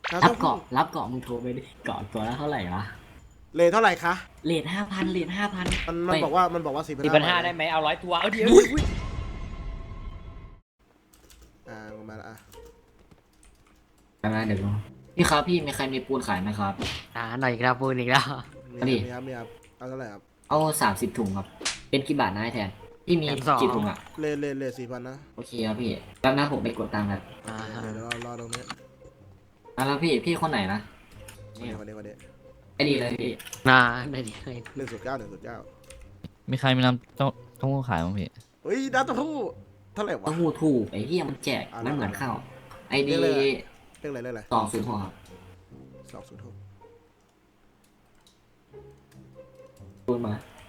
รับเกาะมึงโทรไปดิเกาะตัวละเท่าไหร่วะเลทเท่าไหร่คะเรท5,000เรท5,000 มันบอกว่า 4,500ได้ไหมเอา100 ตัวเอาเดี๋ยวมาละมาเดี๋ยวดูพี่ครับพี่มีใครมีปูนขายไหมครับหน่อยอีกแล้วปูนอีกแล้วมีครับเอาเท่าไหร่ครับเอา30 ถุงครับเป็นกี่บาทนะไอ้แทนพี่มีกี่ถุงอ่ะเลท4,000นะโอเคครับพี่แล้วนะผมไปกดตังค์ครับเดี๋ยวรอตรงนี้แล้วพี่คนไหนนะวันนี้ไอ้ดีเลยพี่ได้ดีเลย 1.9 มีใครมีน้ำเต้าหู้ขายมั้งพี่เฮ้ยน้ำเต้าหู้เท่าไหร่วะเต้าหู้ถูกไอ้เหี้ยมันแจกมันเหมือนข้าวไอ้ดีเรื่องอะไร 206ครับ 206 ปูนมา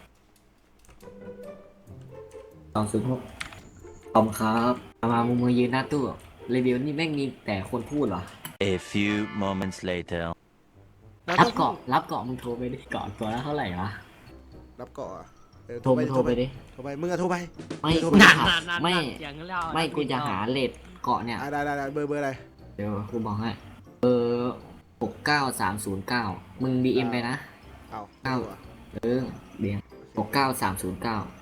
206ขอบครับมามือยืนหน้าตู้รีวิวนี่แม่งมีแต่คนพูดเหรอ A few moments later รับเกาะมึงโทรไปดิเกาะตัวละเท่าไหร่วะรับเกาะโทรไปดิมึงอะโทรไปไม่กูจะหาไม่กูจะหาเลทเกาะเนี่ยได้เบอร์อะไรเดี๋ยวกูบอกให้69309มึงดีเอ็มไปนะเอาเดี๋ยว69309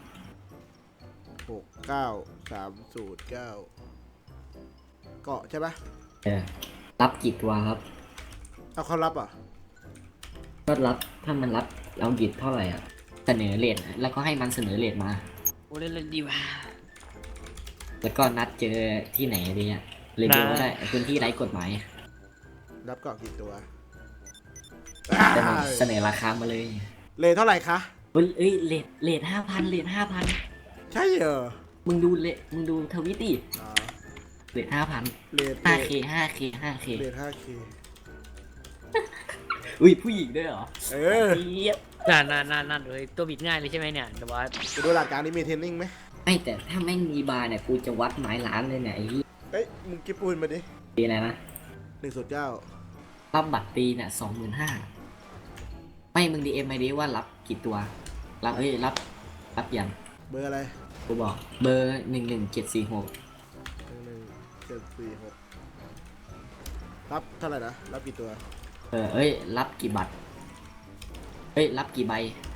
69309เกาะใช่ปะรับกี่ตัวครับเอาเขารับอ่ะก็รับถ้ามันรับเราหยิบเท่าไหร่อ่ะเสนอเลทแล้วก็ให้มันเสนอเลทมาโอ้เล่นดีว่ะแล้วก็นัดเจอที่ไหนดีอ่ะเรียนก็ได้พื้นที่ไร้กฎหมายรับเกาะกี่ตัวเสนอราคามาเลยเลทเท่าไหร่คะเลท5,000 ใช่เหรอมึงดูทวิตดิเลท5,000 เลท 5K เลท 5K อุ้ยผู้หญิงด้วยเหรอนั่นเลยตัวบิดง่ายเลยใช่ไหมเนี่ยแต่ว่ากูดูหลักการนี้มีเทรนนิ่งไหมไม่แต่ถ้าแม่งมีบาร์เนี่ยกูจะวัดหมายล้านเลยเนี่ยไอ้เฮ้ยมึงกิบปูนมาดิปีอะไรนะ 1.9 รับบัตรตีเนี่ย25,000ไม่มึงดีเอ็มไอดีว่ารับกี่ตัวรับยังเบอร์อะไรกูบอกเบอร์11746 รับเท่าไหร่นะรับกี่ตัวรับกี่บัตรรับกี่ใบ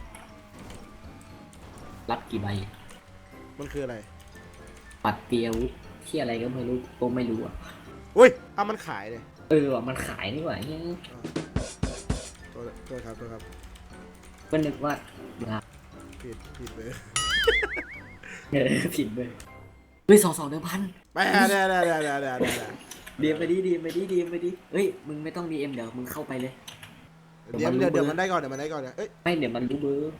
มันคืออะไรบัตรเตียวุฒิที่อะไรก็ไม่รู้อ่ะอุ้ยมันขายเลยว่ะมันขายนี่หว่าเนี่ยตัวครับก็นึกว่าผิดเลยผิดเลยเฮ้ย2,100 ไปได้ดีไปดิเฮ้ยมึงไม่ต้อง DM เดี๋ยวมึงเข้าไปเลยเดี๋ยวมันได้ก่อนเนี่ยไม่เดี๋ยวมันรู้เบอร์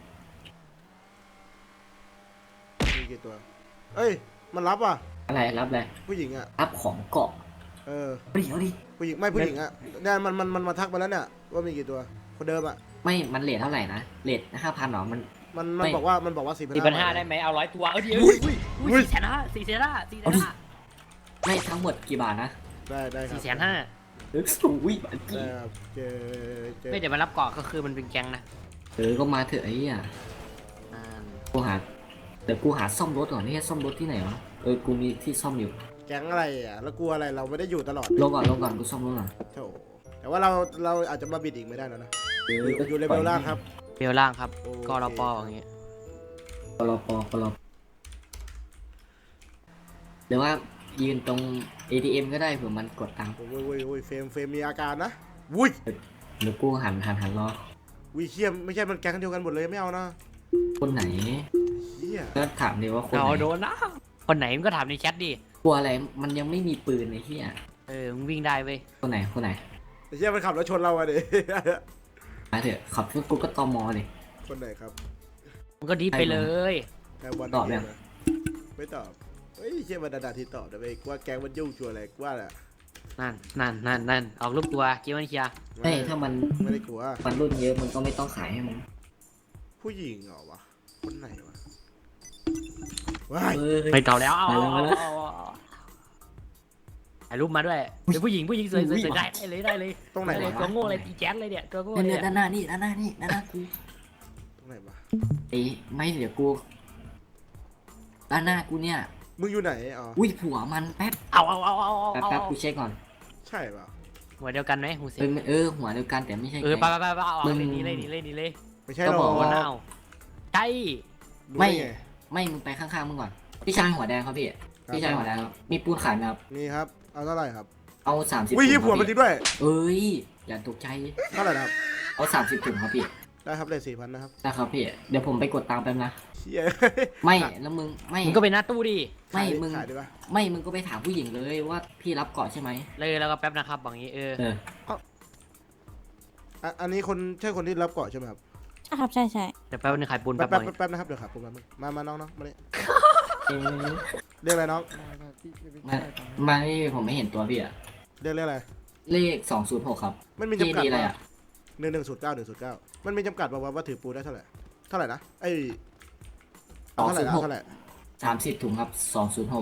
มีกี่ตัวมันรับอ่ะอะไรรับอะไรผู้หญิงอ่ะรับของเกาะเอาดิผู้หญิงอ่ะเนี่ยมันมาทักมาแล้วเนี่ยว่ามีกี่ตัวคนเดิมอ่ะไม่มันเรทเท่าไหร่นะเรท5,000หรอมันบอกว่า 4,500ได้ไหมเอา100 ตัวเอาเดี๋ยว4,500 ไม่ทั้งหมดกี่บาทนะได้ครับ 4,500 อุ้ยบาทกี่ไม่เดี๋ยวมารับเกาะก็คือมันเป็นแก๊งนะก็มาเถอะไอ้เนี่ยเดี๋ยวกูหาซ่อมรถก่อนนี่ซ่อมรถที่ไหนวะกูมีที่ซ่อมอยู่แก๊งอะไรอ่ะแล้วกลัวอะไรเราไม่ได้อยู่ตลอดลงก่อนกูซ่อมรถก่อนโธ่แต่ว่าเราอาจจะมาบิดอีกไม่ได้แล้วนะอยู่เลเวลล่างครับกรปอย่างเงี้ยกรปเดี๋ยวว่ายืนตรง ATM ก็ได้เผื่อมันกดตังค์เฟรมมีอาการนะวุ้ยเดี๋ยวกูหันรอเขี้ยมไม่ใช่มันแก๊งเดียวกันหมดเลยไม่เอานะคนไหนก็ถามดิว่าคนไหนโดนนะคนไหนมึงก็ถามในแชทดิกลัวอะไรมันยังไม่มีปืนไอ้เหี้ยมึงวิ่งได้เว้ยคนไหนไอ้เหี้ยมันขับรถชนเราอะดิมาเถอะขับกูก็ตมดิคนไหนครับมึงก็ดีไปเลยตอบยังไม่ตอบเฮ้ยเชี่ยมันด่าที่ตอบแต่ไม่ว่าแก๊งมันยุ่งชัวร์อะไรกว่าแหละนั่นออกลูกตัวเกี่ยวมันเชียร์ถ้ามันไม่ได้กลัวมันรุ่นเยอะมันก็ไม่ต้องขายให้มันผู้หญิงเหรอวะคนไหนวะไม่ต่อแล้วเอาถ่ายรูปมาด้วยเดี๋ยวผู้หญิงสวยได้เลยตรงไหนตัวโง่เลยตีแจ๊สเลยเนี่ยตัวโง่เนี่ยด้านหน้ากูตรงไหนวะไม่เดี๋ยวกูด้านหน้ากูเนี่ยมึงอยู่ไหนอุ้ยผัวมันแป๊บเอาแป๊บกูเช็คก่อนใช่ป่ะหัวเดียวกันไหมหูสิหัวเดียวกันแต่ไม่ใช่เออแก๊งไปเอามึงหนีเลยไม่ใช่ก็หรอบอกหัวว่าหน้าใช่รู้ได้ไงไม่มึงไปข้างๆมึงก่อนพี่ชายหัวแดงครับพี่พี่ชายหัวแดงครับมีปูนขายไหมครับนี่ครับเอาเท่าไหร่ครับเอา30 วิ่งถุยี่งผัวคมัรันบจริพี่งด้วยเอ้ยอย่าตกใจเท่าไหร่นะครับเอา30ถุงครับพี่ได้ครับเลย4,000นะครับนะครับพี่เดี๋ยวผมไปกดตังค์แป๊บนะเชี่ยไม่แล้วมึงไม่มึงก็ไปหน้าตู้ดิไม่มึงขายดีป่ะไม่มึงก็ไปถามผู้หญิงเลยว่าพี่รับเกาะใช่ไหมเลยแล้วก็แป๊บนะครับบางนี้เอออันนี้คนใช่คนที่รับเกาะใช่ไหมครับใช่ครับใช่ใช่เดี๋ยวแป๊บนึงขายปูนแป๊แป๊บบบางนี้นะครับเดี๋ยวครับผมมาน้องมานี่เออเรียกอะไรน้องมาที่ผมไม่เห็นตัวพี่อะเรียกอะไรเลข206ครับมันมีพี่จำกัดดีอะไรป่ะอะ 1109109มันมีจำกัดป่ะว่าถือปูได้เท่าไหร่นะไอ้สองเท่าไหศูร่นย์หกเท่าไหร่ 30ถุงครับ206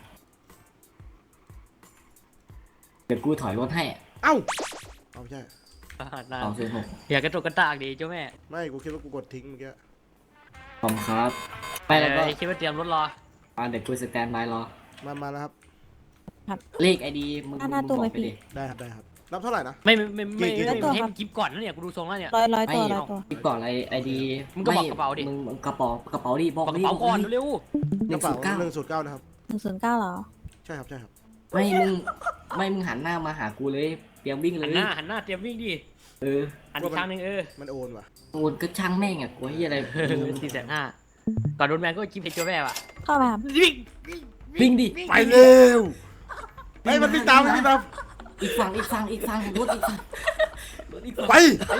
เดี๋ยวกูถอยรถให้เอ้าเอาไม่ใช่ 206 อย่ากระตุกกระตากดีเจ้าแม่ไม่กูคิดว่ากูกดทิ้งเมื่อกี้ขอบคุณครับไปแล้วก็คิดว่าเตรียมรถรอเดี๋ยวกูสแตนบายรอมาแล้วครับเลขไอดีมึงบอกไปดิได้ครับรับเท่าไหร่นะไม่ให้กี่มันกิฟก่อนนะเนี่ยกูดูทรงแล้วเนี่ยร้อยตัวร้อยตัวพี่ก่อนอะไรไอดีมึงก็บอกกระเป๋าดิมึงกระเป๋าดิบอกกระดิเป๋าก่อนเร็วกระเป๋า 109 109นะครับ 109เหรอใช่ครับไม่มึงหันหน้ามาหากูเลยเตรียมวิ่งเลหัยนหน้าเตรียมวิ่งดิเออหันอีกครั้งหนึ่งมันโอนว่ะโอนก็ช่างแม่งอ่ะกูเฮียอะไร 450,000ก่อนโดนแมนก็กิฟให้เจ้าแม่ว่ะเข้าไปครับวิ่งวิ่งดิไปเร็วไอ้มันวิ่งตามอีกฝั่งรถอีกฝั่งรถอีกฝั่งไป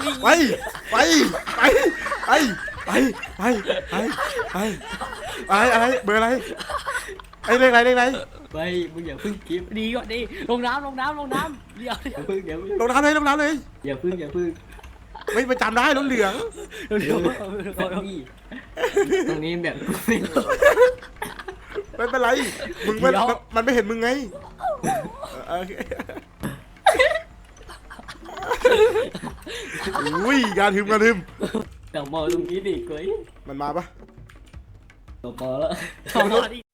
อะไรเบอร์อะไรไอ้เลขอะไรไปมึงอย่าพึ่งกิฟต์ดีก่อนดิลงน้ำเดี๋ยวอย่าพึ่งลงน้ำเลยอย่าพึ่งไม่ไปจำได้รถเหลืองตรงนี้แบบกูไม่รู้ไม่เป็นไรมึงมันไม่เห็นมึงไงโอเคอุ้ยการทึมแต่มองตรงนี้ดิกูมันมาปะตัวพอแล้วขอโทษดิ